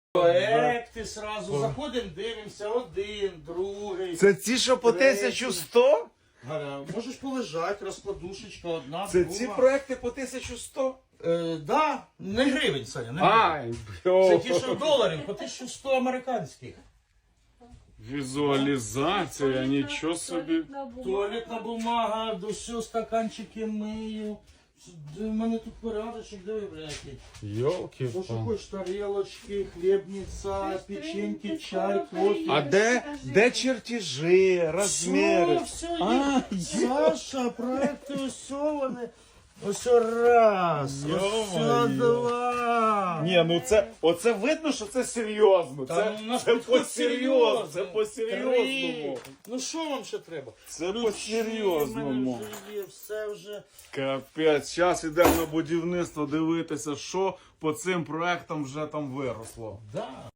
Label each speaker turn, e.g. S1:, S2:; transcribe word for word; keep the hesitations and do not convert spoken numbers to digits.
S1: Проекти сразу заходимо, дивимося, один, другий.
S2: Це ці, що по тисячу сто?
S1: Галя, можеш полежати, розкладушечка одна,
S2: Це
S1: друга.
S2: ці проекти по тисячу сто?
S1: Е, да, не гривень, Саня, не гривень.
S2: Ай,
S1: Це
S2: бьо.
S1: ті, що доларів, по тисячу сто американських.
S2: Візуалізація, нічого собі.
S1: Туалетна бумага, до всього стаканчики мию. У мене тут порядочок, диви, блядь.
S2: Йолки.
S1: То, що хочеш, тарелочки, хлібниця, печеньки, чай, кофе.
S2: А де, де чертежі, розміри?
S1: Все, все
S2: А,
S1: є. Саша, проекти ось вони. Ось раз, ось
S2: Йо-моє.
S1: два.
S2: Ні, ну це, оце видно, що це серйозно.
S1: Та
S2: Це,
S1: у нас
S2: це
S1: підход
S2: по-серйозному. Це
S1: серйозний.
S2: по-серйозному.
S1: Три. Ну що вам ще треба?
S2: Це
S1: Ключі
S2: по-серйозному.
S1: в мене вже є, все вже.
S2: Капець, зараз йдемо на будівництво дивитися, що по цим проектам вже там виросло.
S1: Да.